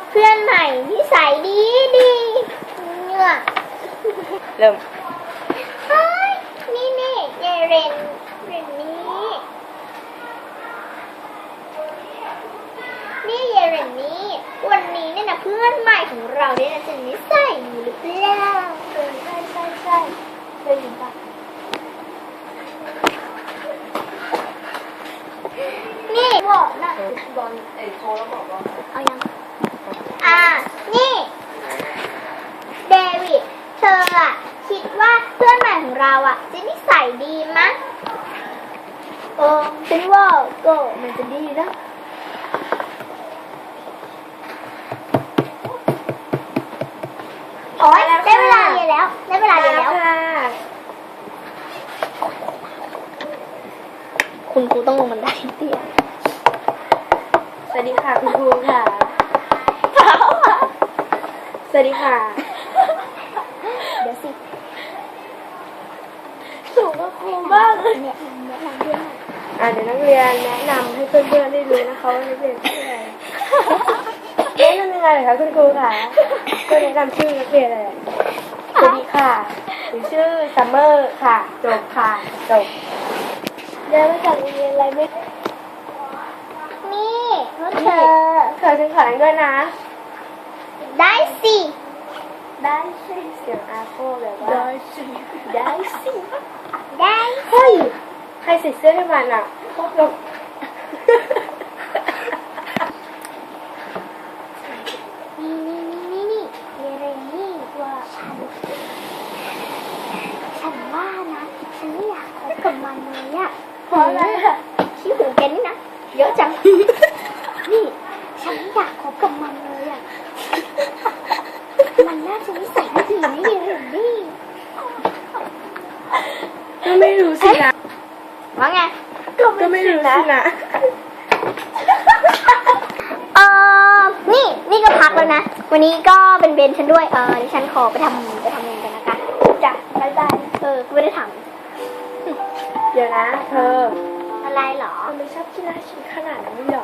เพื่อนใหม่นิสัยดีเนี่ยเริ่มเฮ้ยนี่ยายเรนนี่ยายเรนนี่วันนี้เนี่ยนะเพื่อนใหม่ของเราเนี่ยนะจะนิสัยดีหรือเปล่าใช่ได้ยินปะนี่บอกนะบอลโทรแล้วบอกว่าเอายังนี่เดวิดเธออะคิดว่าเพื่อนใหม่ของเราอะจะนิสัยดีมั้ยฉันว่าก็มันจะดีนะโอ๊ยได้เวลาเรียนแล้วคุณครูต้องลงบันไดเตี้ยสวัสดีค่ะคุณครูค่ะสวัสดีค่ะเดี๋ยวสิสูงกับครูมากเลยเนี่ยเดี๋ยวนักเรียนแนะนำให้เพื่อนๆได้รู้นะคะว่านักเรียนชื่ออะไรแนะนำยังไงเหรอคะคุณครูค่ะก็แนะนำชื่อนักเรียนอะไรสวัสดีค่ะหรือชื่อซัมเมอร์ค่ะจบค่ะจบเดินมาจากโรงเรียนอะไรไม่นี่เธอฉันขอนั่งด้วยนะได้สิเสียงอาโก้แบบว่าได้สิเฮ้ยใครใส่เสื้อให้มันอ่ะพวกเรานี่เรนนี่ว่าฉันว่านะฉันไม่อยากคบกับมันเลยอะเพราะอะไรอะขี้หูแกนี่นะเยอะจังนี่ฉันไม่อยากคบกับมันเลยอะมันน่าจะนิสัยไม่ดีนะเรนนี่ก็ไม่รู้สินะว่าไงก็ไม่รู้สินะนี่ก็พักแล้วนะวันนี้ก็เป็นเบนฉันด้วยดิฉันขอไปทำเองกันนะคะจ้ะได้ก็ไม่ได้ทเดี๋ยวนะเธออะไรหรอไม่ชอบกีฬาชิ้นขนาดนั้นหรอ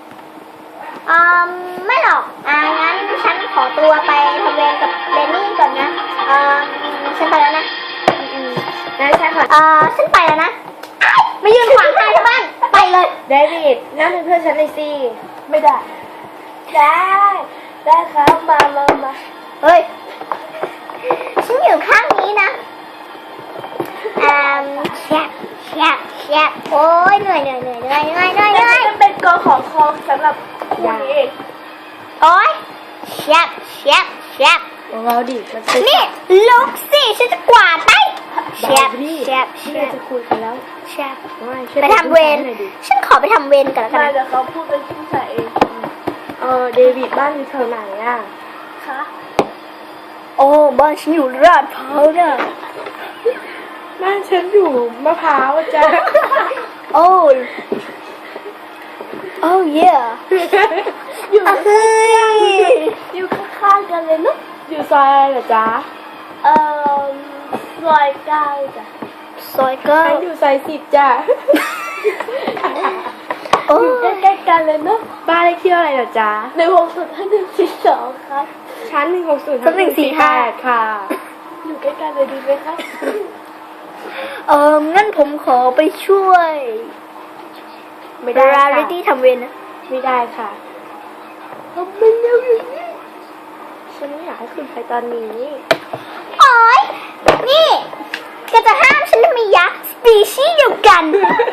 ไม่หรอกงั้นฉันขอตัวไปทำเวรกับเบนนี่ก่อนนะฉันไปแล้วนะงั้นฉันขอฉันไปแล้วนะไม่ยืนขวางทางชาวบ้านไปเลยเดวิดนั่งเป็นเพื่อนฉันหน่อยสิไม่ได้ครับมาเฮ้ยฉันอยู่ข้างนี้นะแชบโอ้ยเหนื่อยมันเป็นกอของคอสำหรับคุณเองโอ้ยแชบเราดินี่ลุกสิฉันจะกวาดไปแชบจะคุยกันแล้วแชบไปทำเวรฉันขอไปทำเวรกันแล้วกันเดี๋ยวเขาพูดเป็นภาษาเองเดวิดบ้านอยู่แถวไหนอ่ะคะบ้านฉันอยู่ลาดพร้าวน่ะบ้านฉันอยู่มะพร้าวจ้ะโอ้เย่อยู่ข้างๆกันเลยเนาะอยู่ซอยอะไรเหรอจ๊ะซอย9จ้ะซอย9 ฉันอยู่ซอย10จ้ะอยู่ใกล้ๆกันเลยเนาะบ้านเลขที่อะไรเหรอจ๊ะ 160-142ครับชั้น160-148ค่ะอยู่ใกล้ๆเลยดีไหมคะงั้นผมขอไปช่วยไม่ได้ค่ะที่ทำเวรนะไม่ได้ค่ะทำเป็นอย่างนี้ฉันไม่อยากให้คุณไปตอนนี้โอ๊ยนี่ก็จะห้ามฉันทำไมยะสปีชีส์เดียวกัน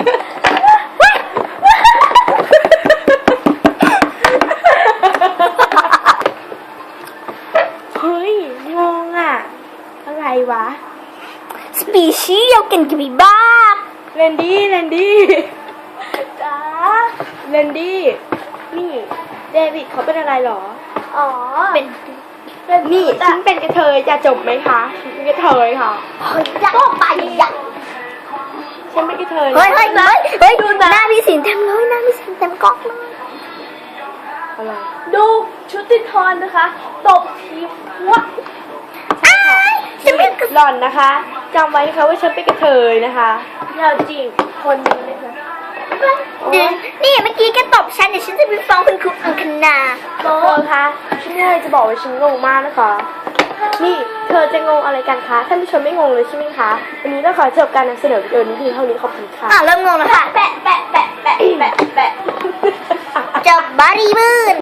เฮ้ยงงอ่ะอะไรวะสปีชีส์เดียวกันกี่บ้าเรนดี้จ้าเรนดี้นี่เดวิดเขาเป็นอะไรหรอเป็นนี่ฉันเป็นกระเทยจะจบไหมคะฉันเป็นกระเทยค่ะก็ไปอ่ะฉันเป็นกระเทยเฮ้ยดูหน้าพี่สินเต็มเลยหน้าพี่สินเต็มกล้องเลยอะไรดูชุดติทอนนะคะตบทีวะฉันเป็นหล่อนนะคะจำไว้นะคะว่าฉันเป็นกระเทยนะคะเราจริงคนนี้เลยนะนี่เมื่อกี้แกตบฉันเดี๋ยวฉันจะไปฟ้องคุณครูอังคณาเธอคะฉันมีอะไรจะบอกว่าฉันงงมากนะคะ นี่เธอจะงงอะไรกันคะท่านผู้ชมไม่งงเลยใช่ไหมคะวันนี้ต้องขอจบการนำเสนอวิดีโอนี้เพียงเท่านี้ขอบคุณค่ะเริ่มงงแล้วค่ะ แปะแปะแปะแปะแปะแปะจบบารีบืน